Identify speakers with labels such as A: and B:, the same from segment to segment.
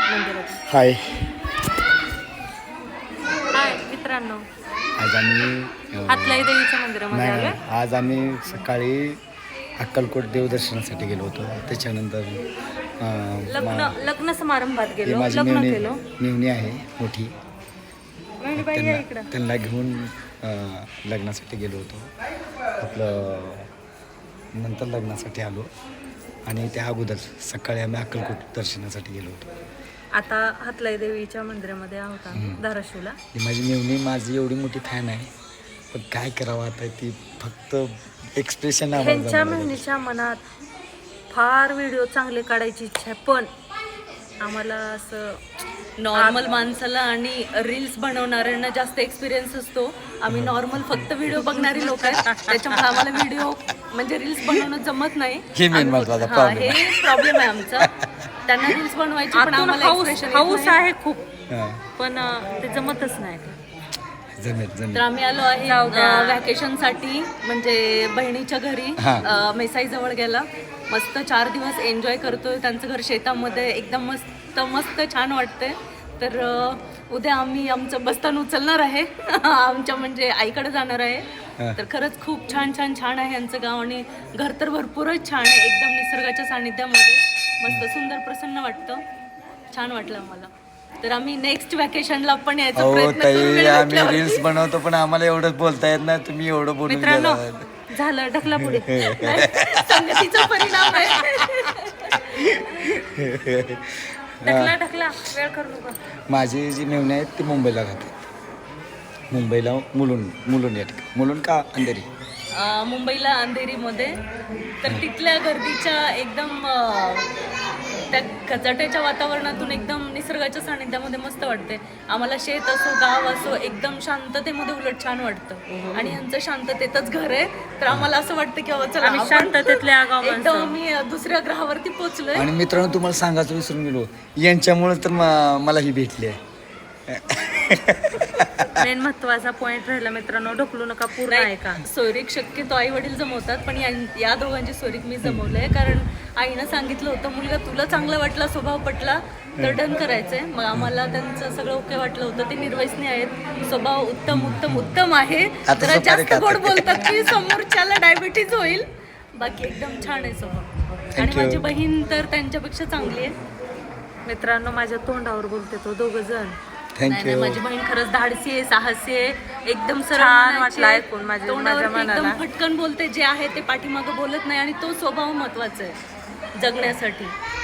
A: मंदिरात.
B: हाय,
A: हाय मित्रांनो,
B: आज आम्ही
A: हातलाई देवीच्या मंदिरामध्ये
B: नाही
A: आलोय.
B: नाही, आज आम्ही सकाळी अक्कलकोट देवदर्शनासाठी गेलो होतो. त्याच्यानंतर
A: लग्न समारंभात
B: ही
A: गेलो,
B: माझी
A: लग्न केलो.
B: मेवणी आहे मोठी,
A: बाई या इकडं.
B: त्यांना घेऊन लग्नासाठी गेलो होतो. आपलं नंतर लग्नासाठी आलो आणि त्या अगोदर सकाळी आम्ही अक्कलकोट दर्शनासाठी गेलो होतो.
A: आता हातलाई देवीच्या मंदिरामध्ये आहोत आम्ही धाराशिवला.
B: ही माझी मेवणी माझी एवढी मोठी फॅन आहे, पण काय करावं आता, ती फक्त एक्सप्रेशन
A: त्यांच्या मेहनीच्या मनात फार व्हिडिओ चांगले काढायची इच्छा आहे, पण आम्हाला असं
C: नॉर्मल माणसाला आणि रील्स बनवणाऱ्यांना जास्त एक्सपिरियन्स असतो. आम्ही नॉर्मल फक्त व्हिडिओ बघणारी लोक आहेत, त्याच्यामुळे आम्हाला व्हिडिओ म्हणजे रील्स बनवणं जमत नाही.
B: हे मेन महत्वाचा
C: हा,
B: प्रॉब्लेम
C: हे प्रॉब्लेम आहे आमचा. त्यांना रील्स बनवायची पण आम्हाला एक्सप्रेशन
A: हाऊस आहे खूप,
B: आहे.
A: पण ते जमतच नाही.
B: जमेल.
C: तर आम्ही आलो आहे व्हॅकेशनसाठी, म्हणजे बहिणीच्या घरी. मेसाई जवळ गेला, मस्त 4 दिवस एन्जॉय करतोय. त्यांचं घर शेतामध्ये, एकदम मस्त छान वाटतंय. तर उद्या आम्ही आमचं बस्तान उचलणार आहे आमच्या म्हणजे आईकडे जाणार आहे. तर खरंच खूप छान आहे यांचं गाव, आणि घर तर भरपूरच छान आहे, एकदम निसर्गाच्या सानिध्यामध्ये मस्त सुंदर प्रसन्न वाटतं. छान वाटलं आम्हाला. तर आम्ही नेक्स्ट व्हॅकेशनला पण यायचा प्रयत्न करू.
B: आम्ही रील्स बनवतो, पण आम्हाला एवढंच बोलता येत नाही. तुम्ही एवढं बोलून
A: मित्रांनो,
B: गेला.
A: झालं ढकला पुढे.
C: संगतीचा परिणाम आहे.
A: ढकला वेळ करू नका.
B: माझी जी मेवणी आहेत ती मुंबईला राहते. मुंबईला मुलुंड या ठिकाणी. मुलुंड का अंधेरी?
C: मुंबईला अंधेरीमध्ये. तर तिथल्या गर्दीच्या एकदम त्या कचाट्याच्या वातावरणातून एकदम निसर्गाच्या सानिध्यामध्ये मस्त वाटते. आम्हाला शेत असो गाव असो, एकदम शांततेमध्ये उलट छान वाटतं. आणि यांचं शांततेतच घर आहे, तर आम्हाला असं वाटतं की चला
A: आम्ही शांततेतल्या गाव
C: एकदम आम्ही दुसऱ्या ग्रहावरती पोहोचलोय.
B: आणि मित्रांनो, तुम्हाला सांगायचं विसरून गेलो, यांच्यामुळे तर मला ही भेटली आहे.
A: मेन महत्वाचा पॉइंट राहिला मित्रांनो, ढकलू नका, पूर्ण आहे का.
C: सोयरीक शक्यतो आई वडील जमवतात, पण या दोघांची सोयरीक मी जमवलंय. कारण आईनं सांगितलं होतं, मुलगा तुला चांगला वाटला, स्वभाव पटला तर डन करायचंय. मग आम्हाला त्यांचं सगळं ओके वाटलं होतं. ते निर्वसनी आहेत, स्वभाव उत्तम आहे. जरा जास्त गोड बोलतात की समोरच्याला डायबिटीज होईल, बाकी एकदम छान आहे स्वभाव. आणि माझी बहीण तर त्यांच्यापेक्षा चांगली आहे.
A: मित्रांनो, माझ्या तोंडावर बोलते तो दोघं जण.
B: थँक्यू.
C: माझी बहीण खरंच धाडसी आहे, साहसी आहे, एकदम
A: छान वाटलं ऐकून
C: तोंडावर एकदम फटकन बोलते. जे आहे ते पाठीमागं बोलत नाही, आणि तो स्वभाव महत्वाचा आहे जगण्यासाठी.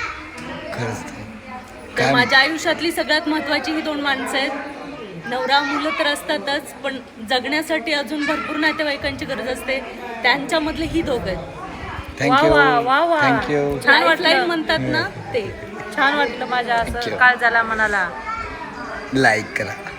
C: तर माझ्या आयुष्यातली सगळ्यात महत्वाची ही 2 माणसं आहेत. नवरा मुलं तर असतातच, पण जगण्यासाठी अजून भरपूर नातेवाईकांची गरज असते. त्यांच्यामधले ही 2 आहेत.
B: थँक्यू.
A: छान वाटलं
C: म्हणतात ना ते.
A: छान वाटलं माझ्या असं काळजाला मनाला.
B: लाईक करा.